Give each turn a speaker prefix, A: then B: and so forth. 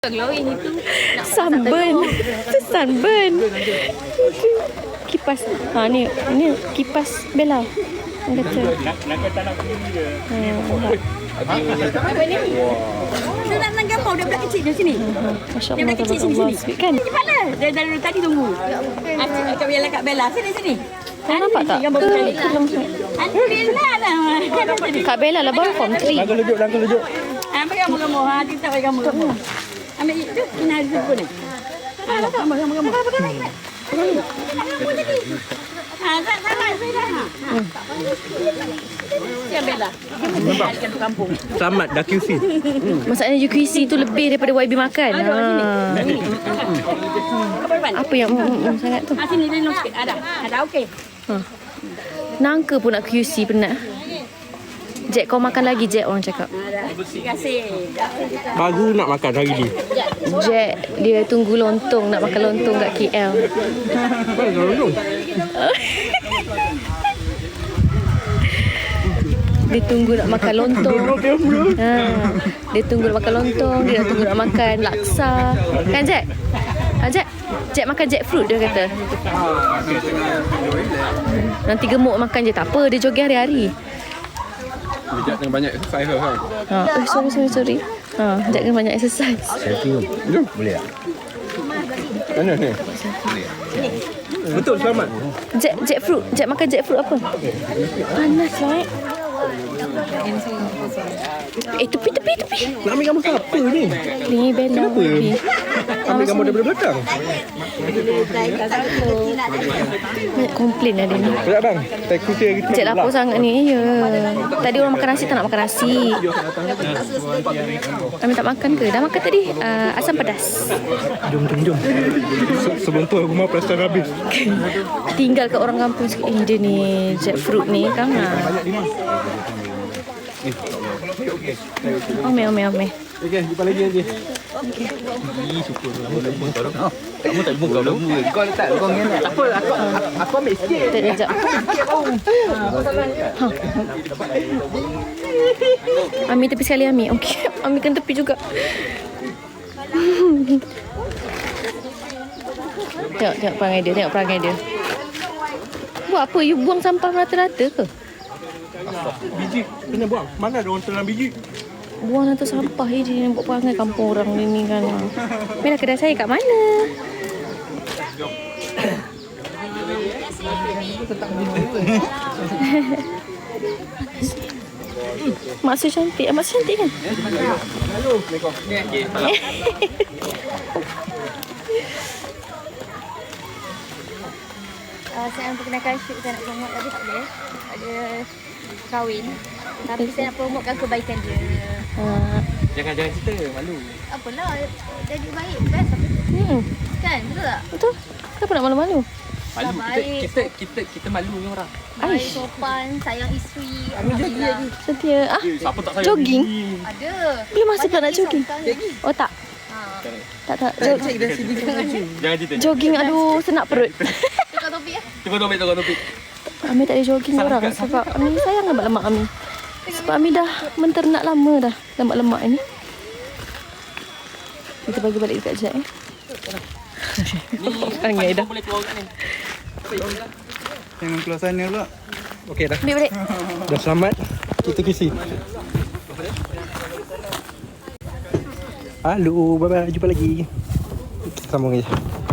A: Glowing itu.
B: Sunburn. Itu sunburn. Kipas. Ha ni kipas Bella. Orang kata.
C: Nak tak nak pergi dia.
A: Apa ni? Saya nak menang gambar budak kecil di sini.
B: Masya-Allah.
A: Dia budak kecil sini.
B: Kan?
A: Di mana? Dari tadi tunggu. Kak Bella. Sini.
B: Kau nampak tak?
A: Gambar budak kecil. Alhamdulillah lah.
B: Kak Bella lah baru form 3.
C: Langkah lejut.
A: Ambil gambar. Kita bagi gambar. Ambil itu. Ini ada sebut ni. Gambar. Siap Bella. Kampung.
C: Selamat dah QC.
B: Masalahnya UQC tu lebih daripada YB makan. Apa yang sangat tu?
A: Sini dia sikit. Ada okey.
B: Nangka pun nak QC penat. Jack kau makan lagi Jack orang cakap.
A: Terima kasih.
C: Baru nak makan hari ni.
B: Jack dia tunggu lontong nak makan lontong kat KL.
C: Mana lontong?
B: Dia tunggu nak makan lontong. Dia tunggu nak makan lontong, dia tunggu nak makan laksa. Kan Jack? Jack makan jackfruit dia kata. Nanti gemuk makan je tak apa, dia jogging hari-hari.
C: Jack dengan banyak exercise kan.
B: Sorry. Jack dengan banyak exercise.
C: Jom. Boleh tak? Mana ni? Betul selamat.
B: Jackfruit. Jack makan jackfruit apa? Panas lah. Tepi.
C: Nak ambil gambar siapa ni?
B: Ni Bella.
C: Kenapa? Ambil gambar daripada belakang.
B: Banyak komplain lah dia ni.
C: Tak bang. Tak kucing kita.
B: Jack lapar sangat ni. Ya. Tadi orang makan nasi tak nak makan nasi. Kami tak makan ke? Dah makan tadi. Asam pedas.
C: Jom. Sebelum tu aku mau plastik habis.
B: Tinggal kat orang kampung sikit. Dia ni jackfruit ni kan. Ome.
C: Okey, jumpa lagi nanti. Okey. Syukur. Kamu tak buka dulu. Kau letak kau ni. Tak apa, aku ambil sikit.
B: Tak jap. Ambil tepi sekali Ami. Okey. Ambilkan tepi juga. Tengok perangai dia. Buat apa? You buang sampah rata-rata ke?
C: Biji kena buang. Mana ada orang telan biji?
B: Buang atas sampah je dia buat perangai kampung orang ni kan. Mira kedai saya kat mana? Mak cantik kan?
C: Halo.
A: Saya nak perkenalkan shoot saya nak promote tapi tak boleh. Ada kahwin. Tapi saya nak promotekan kebaikan dia.
C: Jangan cerita, malu.
A: Apalah, jadi baik. Best apa tu? Kan, betul tak?
B: Betul. Kenapa nak malu-malu?
C: Malu.
A: Baik.
C: Kita malu dengan orang.
A: Baik, sopan, sayang isteri. Alhamdulillah.
B: Setia.
C: Siapa tak sayang
B: Jogging?
C: biji?
A: Ada.
B: Belum masa pula nak jogging. Oh tak. Tak.
C: Jangan cerita.
B: Jogging aduh senak perut.
A: Tukar topik ya?
C: Tukar topik.
B: Ami tak ada jogging orang sebab Ami sayang lemak-lemak Ami. Sebab Ami dah menternak lama dah lemak-lemak ni. Kita bagi balik dekat Jack Angai dah.
C: Boleh keluar kat ni.
D: Jangan keluar sana pula.
C: Okey dah.
B: Ambil balik.
C: Dah selamat. Kita kisi. Halo, bye-bye. Jumpa lagi. Sambung je.